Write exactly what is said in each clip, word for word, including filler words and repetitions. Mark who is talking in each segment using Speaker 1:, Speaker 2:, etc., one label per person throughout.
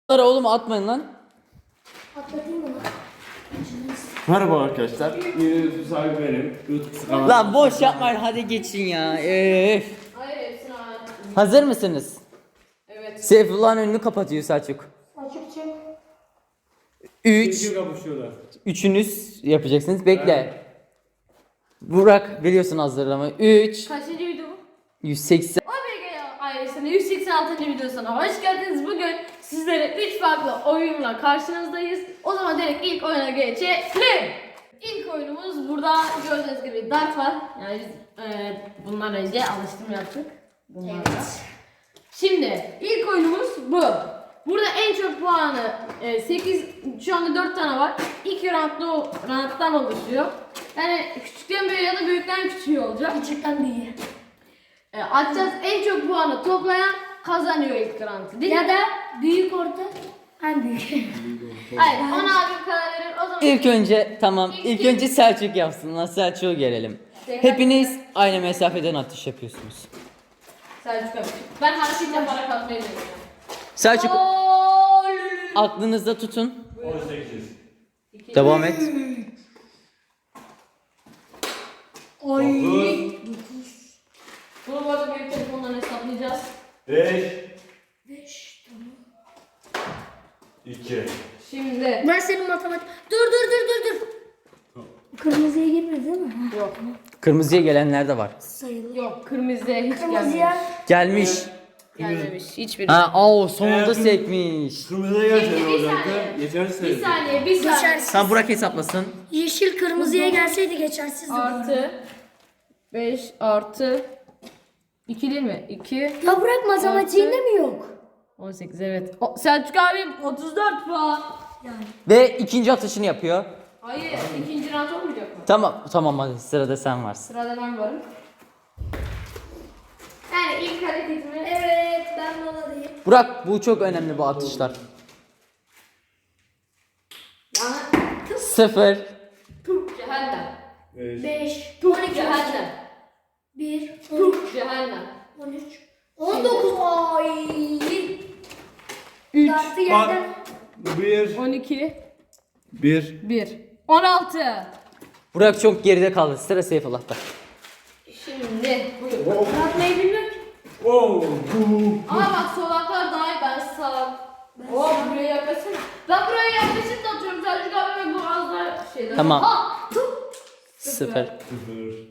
Speaker 1: Oğlum atmayın lan.
Speaker 2: Atlatayım mı?
Speaker 3: Merhaba arkadaşlar. YouTube sahibi benim. YouTube kanalı.
Speaker 1: Lan boş yapmayın, hadi geçin ya. Öf.
Speaker 4: Hayır hepsini al.
Speaker 1: Hazır mısınız?
Speaker 4: Evet.
Speaker 1: Seyfullah'ın önünü kapatıyor Selçuk.
Speaker 2: Açık çık.
Speaker 1: Üç.
Speaker 3: Çünkü kapışıyorlar.
Speaker 1: Üçünüz yapacaksınız. Bekle. Burak biliyorsun hazırlamayı. Üç.
Speaker 4: Kaçıncı video bu?
Speaker 1: yüz seksen.
Speaker 4: O B G ailesinin yüz seksen altıncı videosuna hoş geldiniz. Bugün sizlere üç farklı oyunla karşınızdayız. O zaman direkt ilk oyuna geçelim. İlk oyunumuz burada gördüğünüz gibi dart var. Yani biz e, bundan önce alıştım yaptık. Bunlarla. Şimdi ilk oyunumuz bu. Burada en çok puanı e, sekiz, şu anda dört tane var. İki roundlu rounddan oluşuyor. Yani küçükten büyüğe ya da büyükten küçüğe olacak.
Speaker 2: Küçükten büyüğe.
Speaker 4: E, atacağız, en çok puanı toplayan kazanıyor ilk roundu değil
Speaker 2: Ya
Speaker 4: mi?
Speaker 2: da büyük orta en büyük.
Speaker 4: Hayır, ona abi karar verir. O zaman
Speaker 1: İlk önce tamam.
Speaker 4: İlk
Speaker 1: İlk
Speaker 4: kim?
Speaker 1: önce Selçuk yapsın. Lan Selçuk'u gelelim. Hepiniz aynı mesafeden atış yapıyorsunuz.
Speaker 4: Selçuk abi. Ben hareket yaparak atmayı deneyeceğim.
Speaker 1: Selçuk
Speaker 4: Gol!
Speaker 1: aklınızda tutun.
Speaker 3: on sekiz.
Speaker 4: İki.
Speaker 1: Devam et.
Speaker 2: Oy.
Speaker 4: Bunu bu arada büyük telefondan hesaplayacağız.
Speaker 3: beş.
Speaker 2: Beş. Tamam.
Speaker 3: iki.
Speaker 4: Şimdi.
Speaker 2: Ben senin matematik... Dur dur dur dur dur. Kırmızıya girmedi değil mi? Ha,
Speaker 4: Yok.
Speaker 1: Kırmızıya gelenler de var.
Speaker 2: sayılır.
Speaker 4: Yok, kırmızıya hiç
Speaker 2: Kırmızıya
Speaker 1: Gelmiş.
Speaker 4: gelmemiş. Gelmemiş. Hiçbir.
Speaker 1: Ha, o sonunda
Speaker 3: Eğer-
Speaker 1: sekmiş.
Speaker 3: Kırmızıya
Speaker 4: Şimdi
Speaker 3: gelsene
Speaker 4: bir
Speaker 3: olacaktı.
Speaker 4: saniye.
Speaker 3: Yetersiz.
Speaker 4: Bir saniye, bir saniye.
Speaker 2: geçersiz.
Speaker 1: Sen Burak hesaplasın.
Speaker 2: Yeşil kırmızıya gelseydi geçersizdi. bu arada.
Speaker 4: Artı beş artı iki değil mi? iki
Speaker 2: Ya bırak matematiğinde mi yok?
Speaker 4: on sekiz evet. O, Selçuk abim otuz dört puan.
Speaker 2: Yani.
Speaker 1: Ve ikinci atışını yapıyor.
Speaker 4: Hayır, ikinci round olmayacak mı?
Speaker 1: Tamam tamam, hadi sırada sen varsın.
Speaker 4: Sırada ben varım. Yani ilk hareketimi
Speaker 2: Evet ben moladayım.
Speaker 1: Burak, bu çok önemli, bu atışlar.
Speaker 4: yani
Speaker 1: Sıfır.
Speaker 4: Türk cehennem.
Speaker 3: beş.
Speaker 2: beş.
Speaker 4: Türk cehennem.
Speaker 2: bir.
Speaker 4: Türk cehennem.
Speaker 2: on üç. on dokuz. Ay.
Speaker 4: üç
Speaker 2: Dartı
Speaker 3: Bak.
Speaker 2: yerden.
Speaker 3: bir.
Speaker 4: on iki
Speaker 3: bir.
Speaker 4: bir on altı.
Speaker 1: Burak çok geride kaldı. Sıra Seyfullah'ta.
Speaker 4: Şimdi buyur.
Speaker 2: Atmayı bilmiyorum ki.
Speaker 3: Oh.
Speaker 4: Ama bak solaklar daha iyi, ben sağ. Oh, buraya yaklaşsana. Ben buraya yaklaşıp da atıyorum. Selçuk abi bu az daha şeyden.
Speaker 1: Tamam.
Speaker 4: Ha!
Speaker 1: Sıfır.
Speaker 3: sıfır.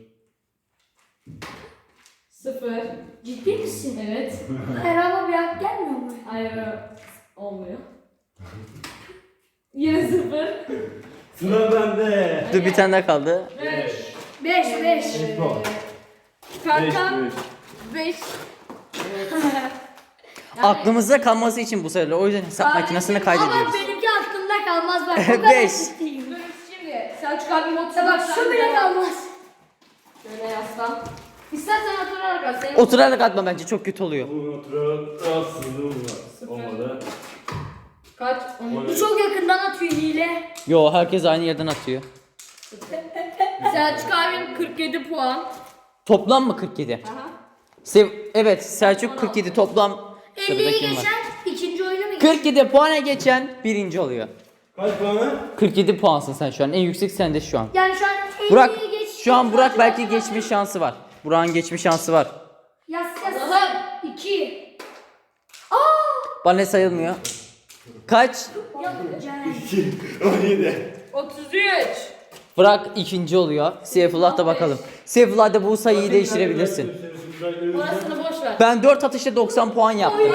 Speaker 4: Sıfır.
Speaker 2: Ciddi misin?
Speaker 4: Evet.
Speaker 2: Hayır ama bir hak gelmiyor mu?
Speaker 4: Hayır olmuyor. Yine sıfır.
Speaker 3: Sıra bende.
Speaker 1: Dur, bir tane daha kaldı.
Speaker 4: beş.
Speaker 2: beş beş.
Speaker 3: beş puan.
Speaker 4: Kankam
Speaker 3: beş.
Speaker 4: beş.
Speaker 1: Aklımızda kalması için bu sefer. O yüzden hesap
Speaker 4: Ay,
Speaker 1: makinesine
Speaker 2: Ama
Speaker 1: kaydediyoruz.
Speaker 2: benimki aklımda kalmaz bak. O kadar
Speaker 1: Beş.
Speaker 2: ciddiyim.
Speaker 4: Dur şimdi Selçuk abim otuz
Speaker 2: Ya bak şu bile kalmaz.
Speaker 4: Şöyle yaslan. İstersen oturarak al. Senin
Speaker 1: Oturarak atma, bence çok kötü oluyor.
Speaker 3: Bunu oturarak aslında olmadı.
Speaker 4: kaç? On.
Speaker 2: Bu çok yakından atıyor hile.
Speaker 1: Yo, herkes aynı yerden atıyor.
Speaker 4: Selçuk abim kırk yedi puan.
Speaker 1: Toplam mı kırk yedi?
Speaker 4: Aha.
Speaker 1: Sev evet, Selçuk kırk yedi toplam. Sırada
Speaker 2: elliyi
Speaker 1: kim var?
Speaker 2: geçen ikinci oyunu mu geçen?
Speaker 1: kırk yedi puana geçen birinci oluyor.
Speaker 3: Kaç puanı?
Speaker 1: kırk yedi puansın sen şu an. En yüksek sende şu an.
Speaker 2: Yani şu an
Speaker 1: Burak,
Speaker 2: elliyi geç.
Speaker 1: şu an Burak belki geçme şansı var. Burak'ın geçme şansı var.
Speaker 2: Yaz yaz.
Speaker 4: Aha.
Speaker 2: iki.
Speaker 1: Bana ne sayılmıyor. Kaç?
Speaker 2: Yapacağım.
Speaker 3: iki. on yedi.
Speaker 4: otuz üç.
Speaker 1: Burak ikinci oluyor. Seyfullah da bakalım. Seyfullah da bu sayıyı değiştirebilirsin.
Speaker 4: Orasını boş ver.
Speaker 1: Ben dört atışta doksan puan yaptım.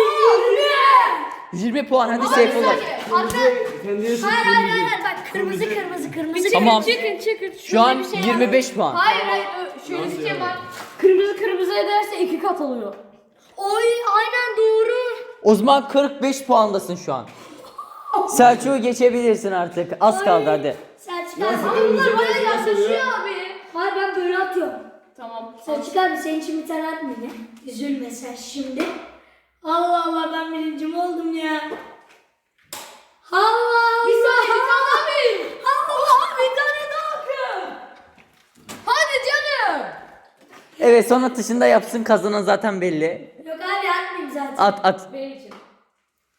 Speaker 1: yirmi puan, hadi Seyfullah.
Speaker 2: Arka. Hayır hayır hayır bak kırmızı kırmızı kırmızı.
Speaker 1: Tamam.
Speaker 4: Çıkın çıkın.
Speaker 1: Şu an
Speaker 4: Şöyle bir şey
Speaker 1: yirmi beş
Speaker 4: var.
Speaker 1: puan.
Speaker 4: Hayır hayır ö- şöyle bir şey var. Kırmızı kırmızı ederse iki kat oluyor.
Speaker 2: Oy aynen doğru.
Speaker 1: O zaman kırk beş puandasın şu an. Selçuk'u geçebilirsin artık. Az kaldı hadi.
Speaker 2: Selçuk
Speaker 3: Nasıl
Speaker 2: abi.
Speaker 3: kırmızı
Speaker 4: Bunlar bayağı
Speaker 3: nasıl
Speaker 4: yaklaşıyor
Speaker 3: oluyor?
Speaker 4: abi.
Speaker 2: Hayır ben böyle atıyorum.
Speaker 4: Tamam.
Speaker 2: Selçuk abi senin için bir tane atmayayım ya. Üzülme sen şimdi. Allah Allah ben birincim oldum ya. Allah
Speaker 4: Bir saniye bir
Speaker 2: Allah.
Speaker 4: tane abi. Allah bir tane daha akın. Hadi canım.
Speaker 1: Evet, son atışında yapsın, kazanan zaten belli.
Speaker 2: Yok abi atmayayım zaten.
Speaker 1: At at.
Speaker 4: Benim için.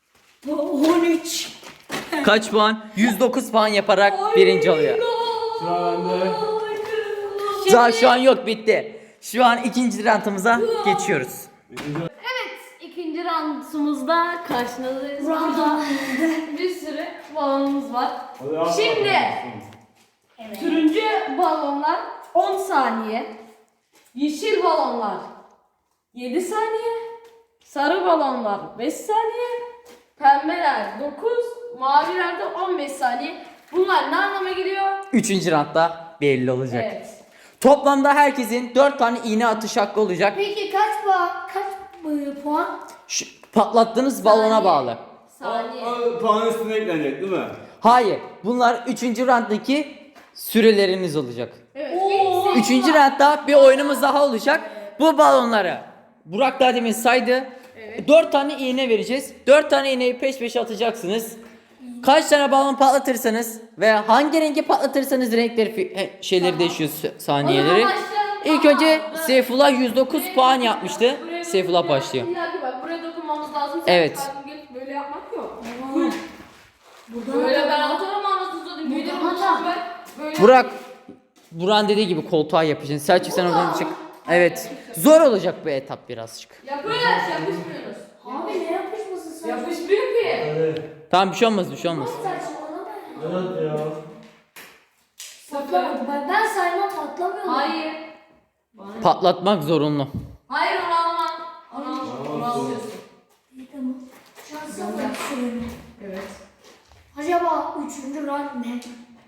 Speaker 2: on üç.
Speaker 1: Kaç puan? yüz dokuz puan yaparak birinci oluyor.
Speaker 3: Sıra bende.
Speaker 1: Daha şu an yok, bitti. Şu an ikinci rantımıza geçiyoruz.
Speaker 4: Evet, ikinci roundumuzda karşınızdayız.
Speaker 2: Round.
Speaker 4: Bir sürü balonumuz var.
Speaker 3: Hadi al.
Speaker 4: Şimdi
Speaker 2: Evet.
Speaker 4: turuncu balonlar on saniye, yeşil balonlar yedi saniye, sarı balonlar beş saniye, pembeler dokuz, maviler de on beş saniye. Bunlar ne anlama geliyor?
Speaker 1: Üçüncü rantta belli olacak.
Speaker 4: Evet.
Speaker 1: Toplamda herkesin dört tane iğne atış hakkı olacak.
Speaker 2: Peki kaç puan? Kaç e, puan?
Speaker 1: Şu patlattığınız balona
Speaker 4: Saniye.
Speaker 1: bağlı.
Speaker 4: Saniye.
Speaker 3: O, o puan üstüne eklenecek değil mi?
Speaker 1: Hayır, bunlar üçüncü ranttaki süreleriniz olacak.
Speaker 4: Evet.
Speaker 2: Oo.
Speaker 4: ilk
Speaker 1: Üçüncü rantta bir oyunumuz daha olacak. Bu balonları Burak daha demin saydı.
Speaker 4: Evet.
Speaker 1: Dört tane iğne vereceğiz. Dört tane iğneyi peş peşe atacaksınız. Kaç tane balon patlatırsanız ve hangi rengi patlatırsanız renkleri fi- he, şeyleri değişiyor s- saniyeleri.
Speaker 4: O zaman başlayalım.
Speaker 1: İlk
Speaker 4: Aa,
Speaker 1: önce
Speaker 4: dur.
Speaker 1: Seyfullah yüz dokuz
Speaker 4: Buraya
Speaker 1: puan
Speaker 4: dokun-
Speaker 1: yapmıştı.
Speaker 4: buraya
Speaker 1: Seyfullah
Speaker 4: dokun-
Speaker 1: başlıyor.
Speaker 4: Bir dakika bak, buraya dokunmamız lazım. Sen
Speaker 1: Evet.
Speaker 4: kalbim gelip böyle yapmak yok.
Speaker 2: Buradan
Speaker 4: Böyle ben
Speaker 2: atalım.
Speaker 4: atarım anasını satayım. Büyüdüm
Speaker 2: Buradan
Speaker 4: bundan
Speaker 2: atalım.
Speaker 4: ben. Böyle
Speaker 1: Burak, Burak'ın dediği gibi koltuğa yapacaksın. Selçuk sen oradan çık. Evet. Zor olacak bu etap birazcık.
Speaker 4: yapıyoruz, yapışmıyoruz.
Speaker 2: Abi ne yapışması sen?
Speaker 4: Yapışmıyor ki.
Speaker 3: Hadi.
Speaker 1: Tamam, bir şey olmaz, bir şey olmaz.
Speaker 2: Saçmalama.
Speaker 3: Evet ya.
Speaker 2: Patlamadı. Ben, ben saymam patlamıyor.
Speaker 4: Hayır. Bana-
Speaker 1: Patlatmak zorunlu.
Speaker 4: Hayır onu alma. Onu al. Onu alıyorsun.
Speaker 2: İyi tamam. Şansa bak şöyle.
Speaker 4: Evet.
Speaker 2: Acaba üçüncü round ne?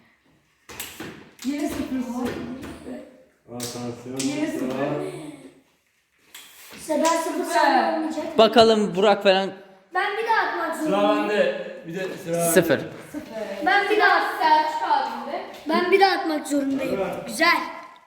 Speaker 4: Yine sıfırsın.
Speaker 3: Atansiyon.
Speaker 4: Yine sıfır.
Speaker 2: İşte ben sıfır saniye olmayacak.
Speaker 1: Bakalım Burak falan
Speaker 2: Ben bir daha atmak
Speaker 3: Sıra
Speaker 2: zorundayım.
Speaker 3: bende. Bir de sıra bende.
Speaker 1: sıfır.
Speaker 2: Ben bir daha
Speaker 4: Selçuk abimde.
Speaker 2: ben bir daha atmak zorundayım.
Speaker 3: Evet.
Speaker 2: Güzel.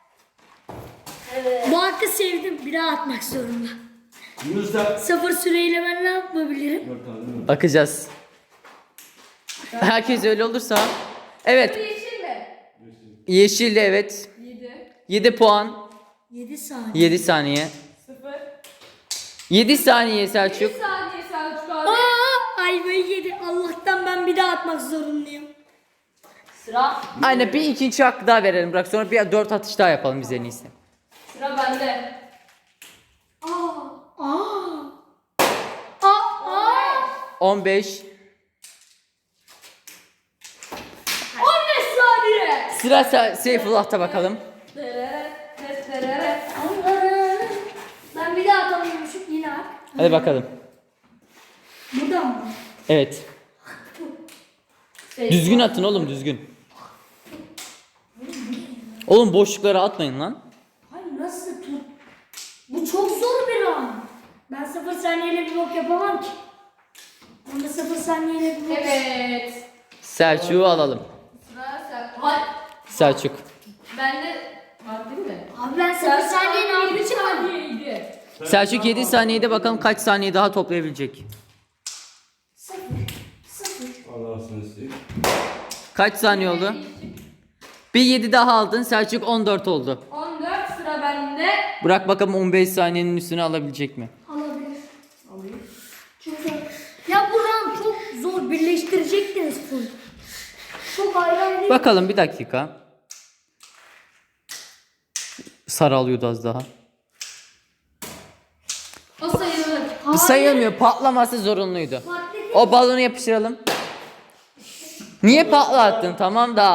Speaker 2: Bu hakkı sevdim. Bir daha atmak zorunda.
Speaker 3: Yunus'a.
Speaker 2: Sıfır süreyle ben ne yapabilirim?
Speaker 3: Dört tane değil mi?
Speaker 1: Bakacağız. Herkes öyle olursa.
Speaker 4: Bu
Speaker 1: Evet.
Speaker 4: yeşil mi?
Speaker 1: Yeşilli, evet.
Speaker 4: yedi.
Speaker 1: yedi puan.
Speaker 2: yedi saniye.
Speaker 1: yedi saniye.
Speaker 4: sıfır.
Speaker 1: yedi saniye
Speaker 4: bir
Speaker 1: Selçuk.
Speaker 4: saniye Selçuk abi.
Speaker 2: Aa, ayvayı yedi. Allah'tan ben bir daha atmak zorundayım.
Speaker 4: Sıra.
Speaker 1: Aynen, bir ikinci hakkı daha verelim Burak. Sonra bir dört atış daha yapalım biz en iyisi.
Speaker 4: Sıra bende.
Speaker 2: Aa. Aa. Aa. Aa.
Speaker 1: on beş.
Speaker 2: on beş saniye.
Speaker 1: Sıra Se- Seyfullah'ta bakalım.
Speaker 4: Derere, derere.
Speaker 2: Ben bir daha atamıyormuşum yine at.
Speaker 1: Hadi bakalım.
Speaker 2: Buradan mı?
Speaker 1: Evet.
Speaker 4: Şey,
Speaker 1: Düzgün atın oğlum, düzgün. Oğlum boşluklara atmayın lan.
Speaker 2: Hayır nasıl tut? Bu çok zor bir an. Ben sıfır saniyeyle bir bok yapamam ki. Onda sıfır saniyeyle bir bok.
Speaker 4: Evet.
Speaker 1: Selçuk'u alalım.
Speaker 4: Sıra Selçuk. Hayır.
Speaker 1: Selçuk.
Speaker 4: Bende var değil mi?
Speaker 2: Abi ben sıfır saniyeyle
Speaker 4: yedi
Speaker 2: aldım çıkmadım.
Speaker 4: saniyeydi.
Speaker 1: Selçuk yedi saniyede bakalım kaç saniye daha toplayabilecek.
Speaker 2: Sıfır. Sıfır.
Speaker 3: Allah'ını seveyim.
Speaker 1: Kaç saniye oldu? Bir yedi daha aldın. Selçuk on dört oldu.
Speaker 4: on dört sıra bende.
Speaker 1: Bırak bakalım on beş saniyenin üstüne alabilecek mi?
Speaker 2: Alabilir. Alayım. Çok zor. Ya bu round çok zor. Birleştirecektiniz full. Çok ayrı ayrı.
Speaker 1: Bakalım bir dakika. Sarı alıyordu az daha.
Speaker 4: O sayılır.
Speaker 2: Hayır.
Speaker 1: Sayılmıyor. Patlaması zorunluydu.
Speaker 2: Patlayacak.
Speaker 1: O balonu yapıştıralım. Niye patlattın? Tamam da.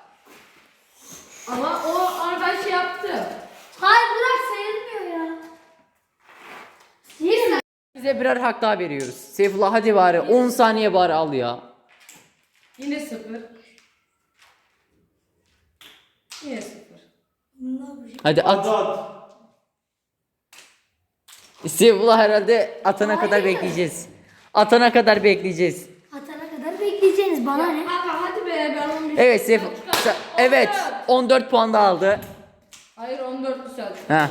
Speaker 4: Ama o onu ben şey yaptım.
Speaker 2: Hayır bırak sayılmıyor ya. Değil mi?
Speaker 1: Bize birer hak daha veriyoruz. Seyfullah hadi bari on saniye bari al ya.
Speaker 4: Yine sıfır. Yine sıfır.
Speaker 2: Ne yapacağım?
Speaker 1: Hadi
Speaker 3: At
Speaker 1: at.
Speaker 3: at.
Speaker 1: Seyfullah herhalde atana
Speaker 2: Hayır.
Speaker 1: kadar bekleyeceğiz. Atana kadar bekleyeceğiz.
Speaker 2: Atana kadar bekleyeceğiniz bana ne?
Speaker 4: Abi hadi be ben onu bir
Speaker 1: Evet Seyf
Speaker 4: Selçuk abi.
Speaker 1: Sa- evet on dört puan da aldı.
Speaker 4: Hayır on dörtlü Selçuk.
Speaker 1: Ha.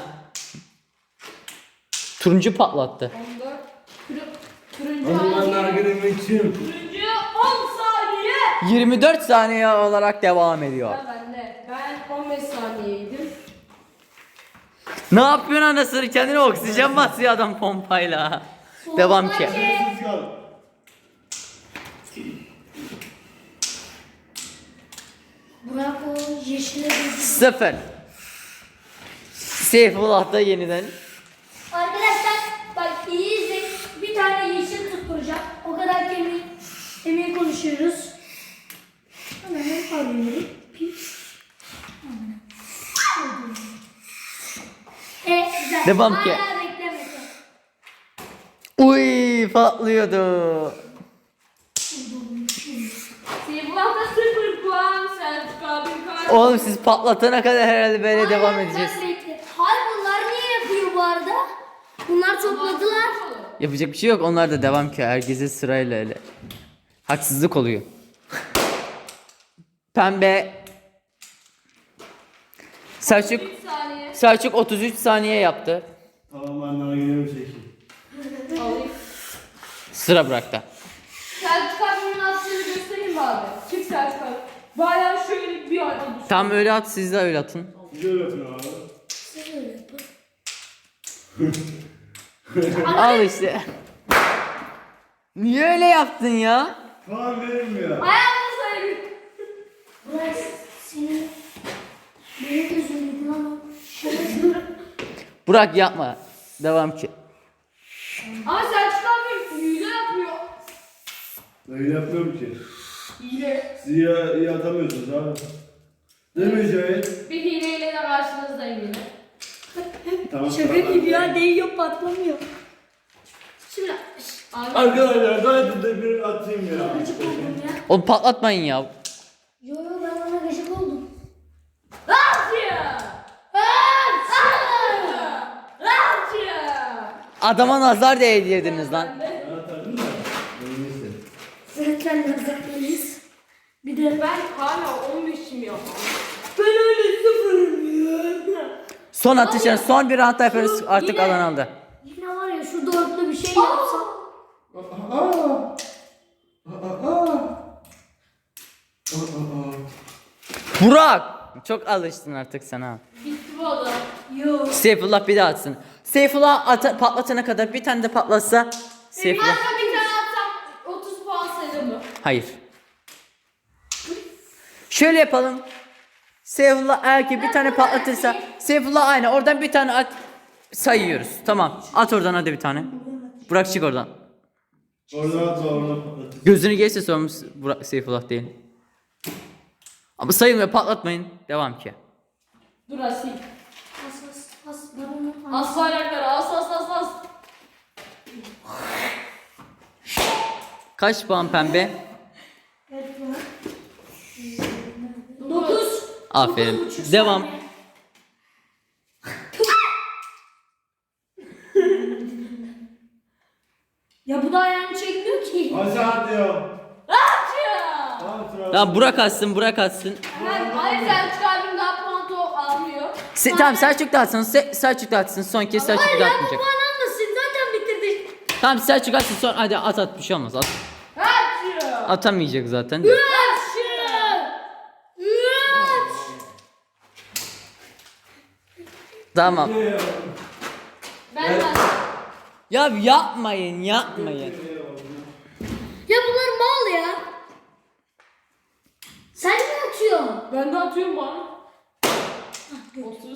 Speaker 1: Turuncu patlattı.
Speaker 4: on dört. Tur turuncu
Speaker 3: Hadi ben
Speaker 4: hangi?
Speaker 3: nargilemi içeyim.
Speaker 4: Turuncu on saniye.
Speaker 1: yirmi dört saniye olarak devam ediyor.
Speaker 4: Sıra bende. Ben on beş saniyeydim.
Speaker 1: Ne yapıyorsun anasını, kendine oksijen basıyor adam pompayla. Devam ki.
Speaker 3: Siz kal.
Speaker 2: yeşile döküyorum.
Speaker 1: Sıfır. Seyfullah da yeniden.
Speaker 2: Arkadaşlar bak iyi izleyin. Bir tane yeşil tutturacağım. O kadar emin, emin konuşuyoruz. Hemen alıyorum. E güzel.
Speaker 1: Devam ki.
Speaker 2: Hala beklemedi.
Speaker 1: Uy patlıyordu.
Speaker 4: Seyfullah'ta sıfır puan. Selçuk abim karşı.
Speaker 1: Oğlum siz patlatana kadar herhalde böyle
Speaker 2: Hala
Speaker 1: devam
Speaker 2: sen
Speaker 1: edeceğiz.
Speaker 2: bekle. Hayır bunlar niye yapıyor bu arada? Bunlar topladılar.
Speaker 1: Yapacak bir şey yok. Onlar da devam ki. Herkese sırayla öyle. Haksızlık oluyor. Pembe. Selçuk
Speaker 4: üç saniye.
Speaker 1: Selçuk otuz üç saniye yaptı.
Speaker 3: Tamam ben nargilemi çekeyim.
Speaker 4: Alayım.
Speaker 1: Sıra Burak'ta.
Speaker 4: Selçuk abimin attığını göstereyim mi abi? Çık Selçuk abi. Bayağı şöyle bir anda düşün.
Speaker 1: Tam öyle at, siz de öyle atın.
Speaker 3: Şöyle yapın abi.
Speaker 1: Al işte. Niye öyle yaptın ya?
Speaker 3: Puan verilmiyor.
Speaker 4: Ayağını sayın.
Speaker 2: Burak senin benim gözümdeki lan o.
Speaker 1: Burak yapma. Devam ki.
Speaker 4: Ama Selçuk abi hile yapıyor.
Speaker 3: Öyle yapmıyorum ki.
Speaker 4: Hile.
Speaker 3: Siz iyi, iyi atamıyorsunuz abi. Değil mi Cahit?
Speaker 4: Bir hileyle de karşınızdayım yine.
Speaker 3: Tamam.
Speaker 2: Şaka gibi ya değiyor patlamıyor.
Speaker 4: Şimdi şş, abi.
Speaker 3: Arkadaşlar hadi de bir atayım ya.
Speaker 2: Gıcık oldum ya.
Speaker 1: Oğlum patlatmayın ya.
Speaker 2: Yo yo ben ona gıcık oldum.
Speaker 4: Rahatça! Rahatça!
Speaker 1: Adama nazar değdirdiniz lan.
Speaker 3: Ben atardım da. Neyse.
Speaker 2: Zaten lezzetleriyiz. Bir de
Speaker 4: Ben hala on beşim ya.
Speaker 2: ben öyle sıfırım ya.
Speaker 1: Son atışın son bir round yaparız artık
Speaker 4: Yine-
Speaker 1: alan aldı.
Speaker 2: Yine var ya şu dörtlü bir şey yapsam.
Speaker 3: Aa! Aa! Aa! Aa!
Speaker 1: Burak! Çok alıştın artık sana.
Speaker 4: Bitti bu adam.
Speaker 2: Yo.
Speaker 1: Seyfullah bir daha atsın. Seyfullah ata- patlatana kadar bir tane de patlatsa Seyfullah.
Speaker 4: Aslında bir tane atsam otuz puan sayılır mı?
Speaker 1: Hayır. Şöyle yapalım. Seyfullah eğer ki bir tane patlatırsa Seyfullah aynı oradan bir tane at sayıyoruz. Tamam. At oradan hadi bir tane. Burak çık oradan.
Speaker 3: Oradan atma oradan patlatın.
Speaker 1: Gözünü geçse sormuş Burak Seyfullah değil. Ama sayılmıyor patlatmayın. Devam ki.
Speaker 4: Dur Asil.
Speaker 2: As as as. Ben onu
Speaker 4: As bayrakları as as as as.
Speaker 1: Kaç puan pembe?
Speaker 2: dokuz.
Speaker 1: Aferin.
Speaker 2: Dokuz buçuk
Speaker 1: Devam.
Speaker 2: saniye. Ya bu da ayağını çekmiyor ki.
Speaker 3: Aşağı diyor.
Speaker 4: Rahatça!
Speaker 3: Tamam sıra.
Speaker 1: Tamam Burak atsın Burak atsın.
Speaker 4: Ben hayır Selçuk abim daha puan to almıyor.
Speaker 1: Se tamam Selçuk da atsın. Se Selçuk da atsın. Son kez Selçuk da
Speaker 2: Ya bu
Speaker 1: atmayacak.
Speaker 2: puan almasın zaten bitirdik.
Speaker 1: Tamam Selçuk atsın son hadi at at bir şey olmaz. At.
Speaker 4: Rahatça!
Speaker 1: Atamayacak zaten.
Speaker 4: Rahatça!
Speaker 2: Üç.
Speaker 1: Tamam.
Speaker 4: Ben ben.
Speaker 1: Ya yapmayın yapmayın.
Speaker 2: Ya bunlar mal ya. Sen mi atıyorsun?
Speaker 4: Ben de atıyorum bana. otuz.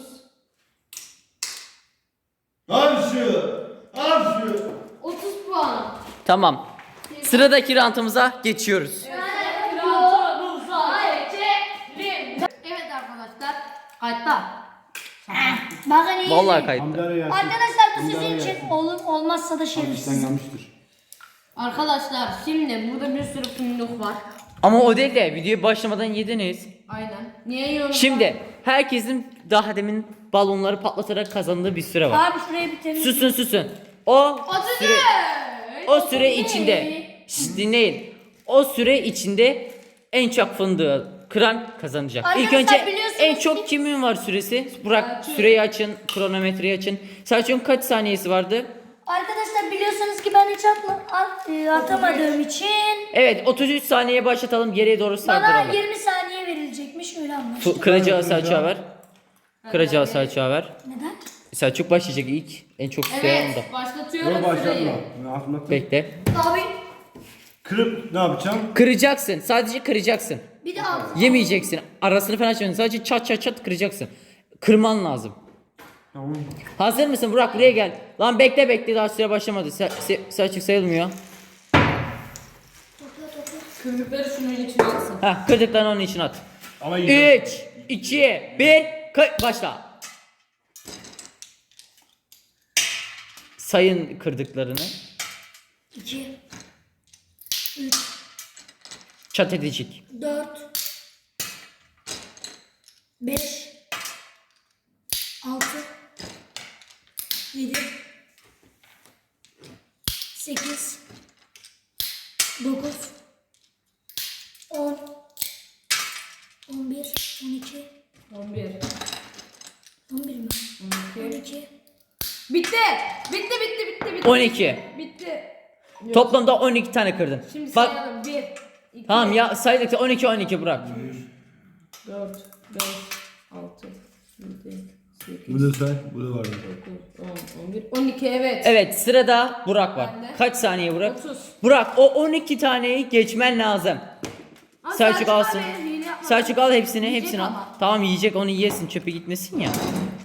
Speaker 3: Al şu. Al şu.
Speaker 4: otuz puan.
Speaker 1: Tamam. Sıradaki rantımıza geçiyoruz.
Speaker 4: Rantımıza geçelim. Evet arkadaşlar. Kayıtta.
Speaker 2: Bakın iyi.
Speaker 1: Vallahi kayıttı.
Speaker 3: Hamdara gelsin.
Speaker 2: Arkadaşlar bu
Speaker 3: Hamdara
Speaker 2: sizin için
Speaker 3: gelsin.
Speaker 2: olur, olmazsa da
Speaker 3: Hafiften
Speaker 2: şerefsiz.
Speaker 3: yanmıştır.
Speaker 4: Arkadaşlar şimdi burada bir sürü fındık var.
Speaker 1: Ama o değil de videoya başlamadan yediniz.
Speaker 4: Aynen. Niye yiyorsunuz?
Speaker 1: Şimdi herkesin daha demin balonları patlatarak kazandığı bir süre var.
Speaker 2: Abi şurayı bitirelim.
Speaker 1: Susun susun. O
Speaker 4: otuz
Speaker 1: süre,
Speaker 4: üç.
Speaker 1: o süre içinde şşt, dinleyin. O süre içinde en çok fındığı kıran kazanacak. İlk
Speaker 2: Arkadaşlar
Speaker 1: önce
Speaker 2: biliyorsunuz
Speaker 1: en
Speaker 2: ki-
Speaker 1: çok kimin var süresi? Burak
Speaker 4: Selçuk.
Speaker 1: süreyi açın, kronometreyi açın. Selçuk'un kaç saniyesi vardı?
Speaker 2: Arkadaşlar biliyorsunuz ki ben hiç atma, at, e, atamadığım için
Speaker 1: Evet otuz üç saniye başlatalım geriye doğru
Speaker 2: bana
Speaker 1: sardıralım.
Speaker 2: yirmi saniye verilecekmiş öyle anlaştık.
Speaker 1: Fu- Kıracağı Selçuk'a ver. Kıracağı Selçuk'a ver.
Speaker 2: Neden?
Speaker 1: Selçuk başlayacak ilk. En çok süre onda.
Speaker 4: Evet. Başlatıyorum
Speaker 3: Dur
Speaker 4: süreyi.
Speaker 3: başlatma. Ben atmak.
Speaker 1: Bekle.
Speaker 2: Abi
Speaker 3: Kırıp ne yapacağım?
Speaker 1: Kıracaksın. Sadece kıracaksın.
Speaker 2: Bir de altı.
Speaker 1: Yemeyeceksin. Arasını falan açmayacaksın. Sadece çat çat çat kıracaksın. Kırman lazım.
Speaker 3: Tamam.
Speaker 1: Hazır mısın Burak, buraya gel. Lan bekle bekle, daha süre başlamadı. Sa se Selçuk sayılmıyor.
Speaker 2: Topla topla.
Speaker 4: Kırmızıları şunun içine atsın.
Speaker 1: Heh, kırdıklarını onun için at.
Speaker 3: Ama yiyeceğim.
Speaker 1: üç, iki, bir, başla. Sayın kırdıklarını.
Speaker 2: iki, üç,
Speaker 1: Çat edecek.
Speaker 2: dört, beş, altı, yedi, sekiz, dokuz, on, on bir, on iki,
Speaker 4: on bir.
Speaker 2: on bir mi?
Speaker 4: on
Speaker 2: on
Speaker 4: iki.
Speaker 2: iki,
Speaker 4: Bitti. Bitti bitti bitti bitti.
Speaker 1: on iki.
Speaker 4: Bitti.
Speaker 1: Toplamda on iki tane kırdın.
Speaker 4: Şimdi
Speaker 1: Bak
Speaker 4: sayalım. bir, iki,
Speaker 1: tamam ya, saydıkça on iki on iki Burak.
Speaker 4: dört, beş, altı, yedi, sekiz,
Speaker 5: Bu da say, bu da var.
Speaker 4: dokuz, on, on bir, on iki evet.
Speaker 1: Evet, sırada Burak var.
Speaker 4: Bende.
Speaker 1: Kaç saniye Burak?
Speaker 4: otuz.
Speaker 1: Burak, o on iki taneyi geçmen lazım.
Speaker 4: Ama
Speaker 1: Selçuk
Speaker 4: abi
Speaker 1: alsın.
Speaker 4: hile yapma.
Speaker 1: Selçuk al hepsini,
Speaker 4: Yiyecek
Speaker 1: hepsini al.
Speaker 4: ama.
Speaker 1: Tamam, yiyecek, onu yiyesin, çöpe gitmesin ya.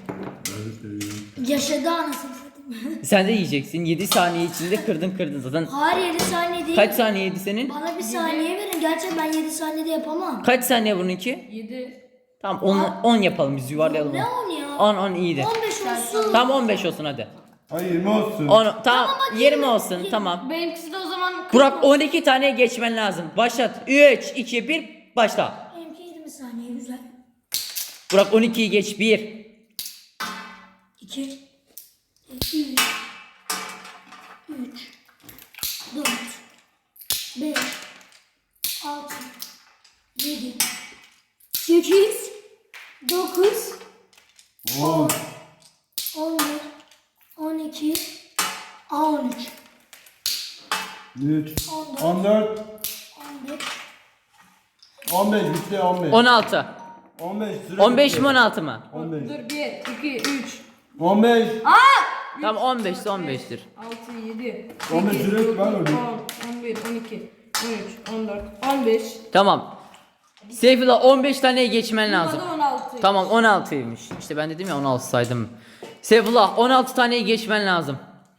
Speaker 2: yaşadı anasını satayım.
Speaker 1: Sen de yiyeceksin. yedi saniye içinde kırdın kırdın zaten.
Speaker 2: Hayır yedi saniye değil.
Speaker 1: Kaç saniyeydi senin?
Speaker 2: Bana bir saniye verin. Gerçi ben yedi saniyede yapamam.
Speaker 1: Kaç saniye bununki?
Speaker 4: yedi.
Speaker 1: Tamam on, on yapalım, biz yuvarlayalım.
Speaker 2: Ne on ya?
Speaker 1: on on iyiydi.
Speaker 2: on beş olsun.
Speaker 1: Tamam on beş olsun hadi.
Speaker 5: Hayır yirmi olsun.
Speaker 1: on, tamam
Speaker 2: hadi
Speaker 1: yirmi
Speaker 2: yirmi.
Speaker 1: olsun tamam.
Speaker 4: Benimkisi de o zaman
Speaker 1: Burak on iki tane geçmen lazım. Başlat. üç, iki, bir, başla.
Speaker 2: Benimki yirmi saniye güzel.
Speaker 1: Burak on ikiyi geç. bir.
Speaker 2: iki, üç, üç, dört, beş, altı, yedi, sekiz, dokuz, on, on bir, on iki, on üç,
Speaker 5: üç,
Speaker 2: on dört,
Speaker 5: on dört,
Speaker 2: on beş,
Speaker 5: on beş bitti on beş.
Speaker 1: on altı.
Speaker 5: on beş süre
Speaker 1: on beş
Speaker 5: bitti.
Speaker 1: mi on altı mı?
Speaker 5: on beş.
Speaker 4: dur bir, iki, üç,
Speaker 5: on beş.
Speaker 1: Tamam on beş ise on beştir.
Speaker 4: altı, yedi,
Speaker 5: on beş
Speaker 4: sekiz,
Speaker 5: süre
Speaker 4: dokuz,
Speaker 5: var
Speaker 4: on,
Speaker 5: orada.
Speaker 4: on bir, on iki, on üç, on dört, on beş.
Speaker 1: Tamam. Seyfullah on beş taneye geçmen lazım.
Speaker 4: Burada on altı.
Speaker 1: Tamam on altıymış. İşte ben dedim ya on altı saydım. Seyfullah on altı taneye geçmen lazım.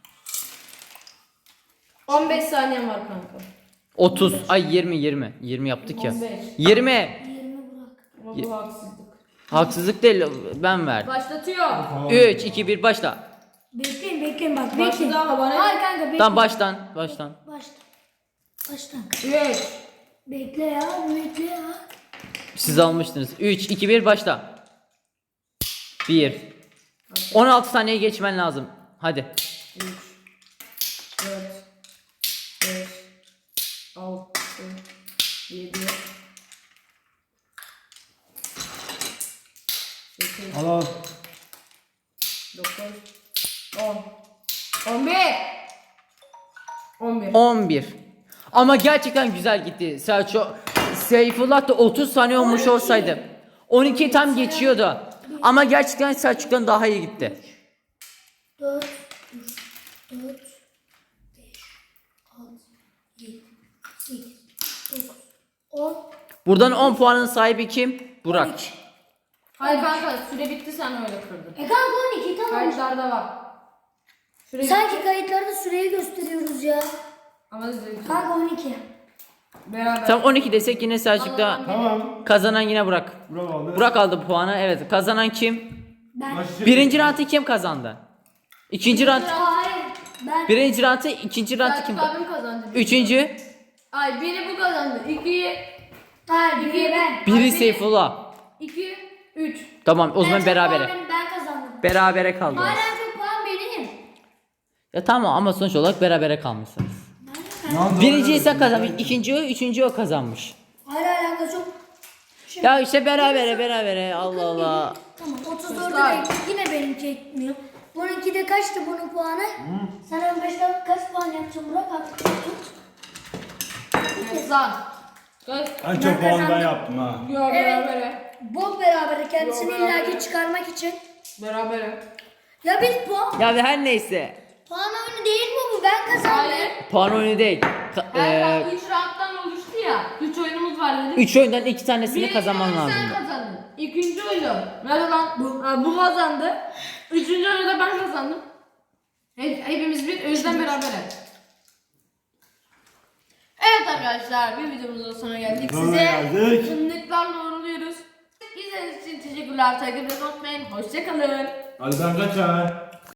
Speaker 4: on beş saniyen var kanka.
Speaker 1: otuz ay yirmi yirmi. yirmi yaptık ya.
Speaker 4: on beş.
Speaker 1: yirmi.
Speaker 2: yirmi bırak.
Speaker 4: Ama bu haksızlık.
Speaker 1: Haksızlık değil, ben verdim.
Speaker 4: Başlatıyor.
Speaker 1: üç, iki, bir, başla.
Speaker 2: Bekleyin bekleyin bak bekleyin.
Speaker 4: Başladı ama bana.
Speaker 2: Hayır kanka bekle.
Speaker 1: Tamam baştan, baştan.
Speaker 2: Başla. Baştan.
Speaker 4: üç.
Speaker 2: Bekle ya bekle ya.
Speaker 1: Siz almıştınız. üç, iki, bir, başla. bir. on altı saniyeye geçmen lazım. Hadi.
Speaker 4: üç, dört, beş, altı, yedi, sekiz,
Speaker 5: Al al.
Speaker 4: dokuz, on, on bir, on bir.
Speaker 1: on bir. Ama gerçekten güzel gitti. Selçuk, Seyfullah da otuz saniye olmuş olsaydı. on iki tam geçiyordu. Ama gerçekten Selçuk'tan daha iyi gitti.
Speaker 2: dört, dört, beş, altı, yedi, sekiz, dokuz, on,
Speaker 1: Buradan on puanın sahibi kim? Burak.
Speaker 2: on üç.
Speaker 4: Hayır kanka süre bitti sen öyle kırdın.
Speaker 2: E kanka on iki tamam.
Speaker 4: Kayıtlarda var. Süre
Speaker 2: Sanki kayıtlarda süreyi gösteriyoruz ya.
Speaker 4: ama zevkli.
Speaker 2: Kanka on iki.
Speaker 4: Beraber.
Speaker 1: Tam on iki desek yine Selçuk'ta
Speaker 5: Tamam.
Speaker 1: kazanan yine Burak.
Speaker 5: Burak aldı.
Speaker 1: Burak aldı puanı. Evet, kazanan kim?
Speaker 2: Ben.
Speaker 5: Başlayacak.
Speaker 1: Birinci round'ı kim kazandı? İkinci round.
Speaker 2: Hayır. Ben.
Speaker 1: Birinci round'ı, ikinci round'ı kim
Speaker 4: Selçuk
Speaker 1: kazandı?
Speaker 4: abim kazandı.
Speaker 1: Üçüncü.
Speaker 4: Ay biri bu kazandı. İkiyi,
Speaker 2: Hayır biri ben.
Speaker 1: Biri
Speaker 4: biri-
Speaker 1: Seyfullah.
Speaker 4: iki, üç.
Speaker 1: Tamam o zaman
Speaker 2: En çok
Speaker 1: berabere.
Speaker 2: puan benim, Ben kazandım.
Speaker 1: Berabere kaldınız.
Speaker 2: Hala en çok puan benim.
Speaker 1: Ya tamam ama sonuç olarak berabere kalmışsınız.
Speaker 5: Ne oldu?
Speaker 1: Birinciyi sen kazanmış, ikinci o, üçüncü o kazanmış.
Speaker 2: Hala alakası yok. Şimdi-
Speaker 1: Ya işte berabere berabere Allah Allah.
Speaker 2: Tamam otuz dördü de yine benimki etmiyor. Bununki de kaçtı bunun puanı? Sen on beşten kaç puan yapacaksın Burak? Artık tut.
Speaker 4: Hesap. Kaç?
Speaker 5: En çok puanı ben yaptım ha.
Speaker 4: Yo
Speaker 2: Evet.
Speaker 4: berabere.
Speaker 2: Bol beraber kendisini
Speaker 4: Yok, beraber.
Speaker 2: illaki çıkarmak için.
Speaker 4: Berabere.
Speaker 2: Ya biz puan,
Speaker 1: Ya ve her neyse.
Speaker 2: puan oyunu değil mi bu? Ben kazandım.
Speaker 4: Hayır.
Speaker 1: Puan oyunu değil. Ka-
Speaker 4: Her
Speaker 1: eee,
Speaker 4: round üç rounddan oluştu ya. üç oyunumuz var geldik.
Speaker 1: Üç oyundan iki tanesini
Speaker 4: Birinci
Speaker 1: kazanman
Speaker 4: oyunu
Speaker 1: lazım.
Speaker 4: sen kazandın. İkinci oyunu. Nerede lan? Bu, ha, bu kazandı. Üçüncü oyunu da ben kazandım. Hep, hepimiz bir, o yüzden beraberiz. Evet arkadaşlar, bir videomuzun sonuna geldik.
Speaker 5: Sonuna
Speaker 4: Size
Speaker 5: geldik.
Speaker 4: fındıklarla uğurluyoruz. İzlediğiniz için teşekkürler. Takip etmeyi unutmayın. Hoşçakalın.
Speaker 5: Hadi ben kaçar.